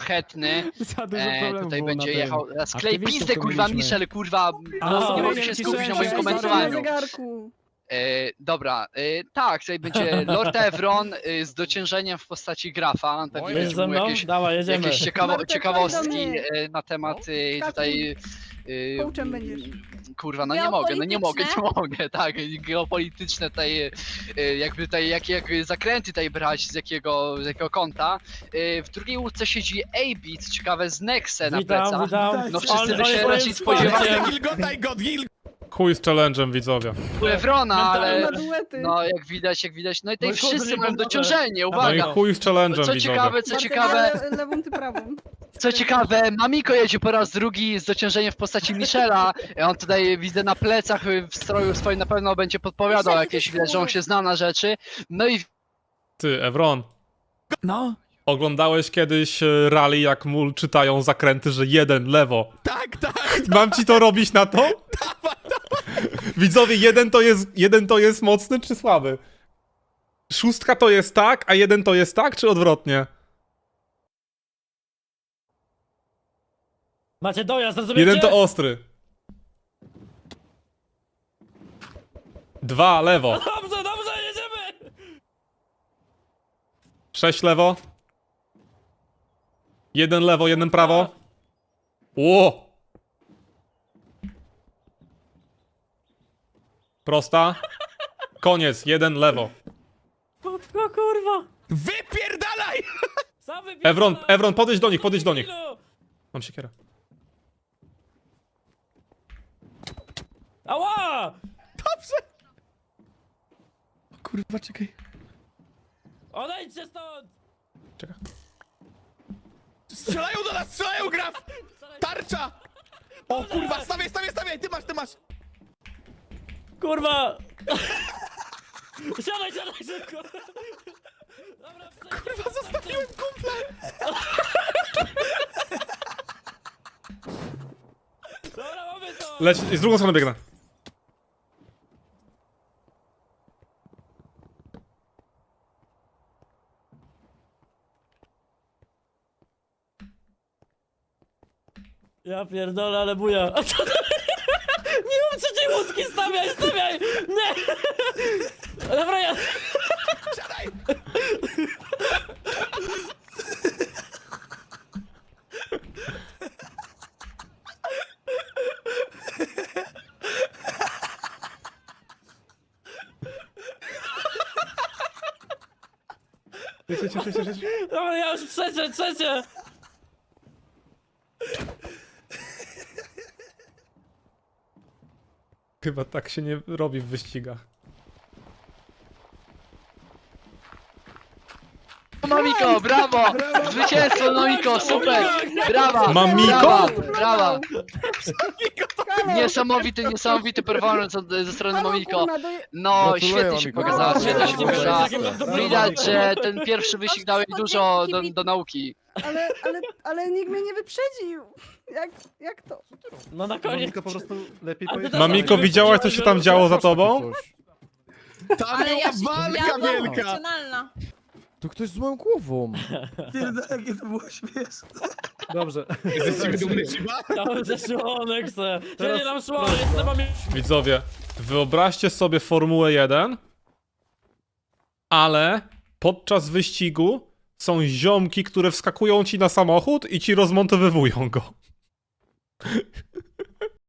szlachetny. Za dużo problemów Tutaj było będzie na jechał. tym. Sklej Aktywistów pizdę, tu kurwa, mieliśmy. Michel, kurwa. A, Nie no, mogę się skupić na moim na komentowaniu. zegarku. Dobra, tak, tutaj będzie Lord Evron z dociężeniem w postaci grafa. Pewnie Jedziesz będzie ze mu mną? jakieś, Dawaj, jedziemy. jakieś Bartek, ciekawostki chodź do mnie. na temat Skakuj. tutaj. Coachem będziesz. Kurwa, no nie mogę, tak, geopolityczne tutaj, jakby tutaj, jak zakręty tutaj brać, z jakiego kąta. W drugiej łódce siedzi AB, co ciekawe, z Nexe na plecach. Witam. No wszyscy by On się jest raczej moim spodziewali wsparciem. Gilgotaj go, Chuj z challenge'em, widzowie. Evrona, ale Na duety. no jak widać, no i tutaj Mój kurde, wszyscy nie mają pomoże. dociążenie, No i uwaga. chuj z challenge'em, Co widzowie. ciekawe, Bartek, lewą, ty prawą. co ciekawe, Mamiko jedzie po raz drugi z dociążeniem w postaci Michela. On tutaj widzę na plecach w stroju swoim na pewno będzie podpowiadał jakieś, widać, że on się zna na rzeczy. No i Ty, Evron, No, oglądałeś kiedyś rally, jak mu czytają zakręty, że jeden lewo. Tak, tak. Mam ci to robić na to? Widzowie, jeden to jest mocny czy słaby? Szóstka to jest tak, a jeden to jest tak, czy odwrotnie? Macie dojazd, rozumiecie? Jeden to ostry. Dwa lewo. Dobrze, dobrze, jedziemy! 6 lewo. Jeden lewo, jeden prawo. Ło! Prosta. Koniec, jeden lewo. O kurwa! Wypierdalaj! Sam wypierdala. Evron, podejdź do nich. Ilu? Mam siekierę. Ała! Kurwa, czekaj. Odejdźcie stąd! Czekaj. Strzelają do nas, strzelają, graf! Tarcza! O kurwa, stawiaj, ty masz! Kurwa! Siadaj szybko! Dobra, Kurwa, zostawiłem kumpla! Dobra, mamy to! Leć, z drugą stronę biegnę. Ja pierdolę, ale buja. Nie mów trzeciej łódki, stawiaj! Nie! Dobra, ja... Siadaj! Dobra, ja już trzecie! Chyba tak się nie robi w wyścigach. Mamiko, brawo! Zwycięstwo, Mamiko, super! Brawa! Mamiko? Brawa! Niesamowity performance ze strony Mamiko. No, świetnie się pokazała, świetnie się pokazała. Widać, że ten pierwszy wyścig dał jej dużo do nauki. Ale nikt mnie nie wyprzedził. Jak to? No na koniec. po prostu lepiej A ty powiedzieć. też Mamiko, widziałaś, co się tam działo za tobą? Tam Ale była ja się walka była wielka! emocjonalna. To ktoś z moją głową. Jakie to było śmieszne. Dobrze. Jesteśmy dumny, Shiba? Tam zeszło Nexe. Teraz Nie nam szło, jestem mamie. Widzowie, wyobraźcie sobie Formułę 1, ale podczas wyścigu są ziomki, które wskakują ci na samochód i ci rozmontowywują go.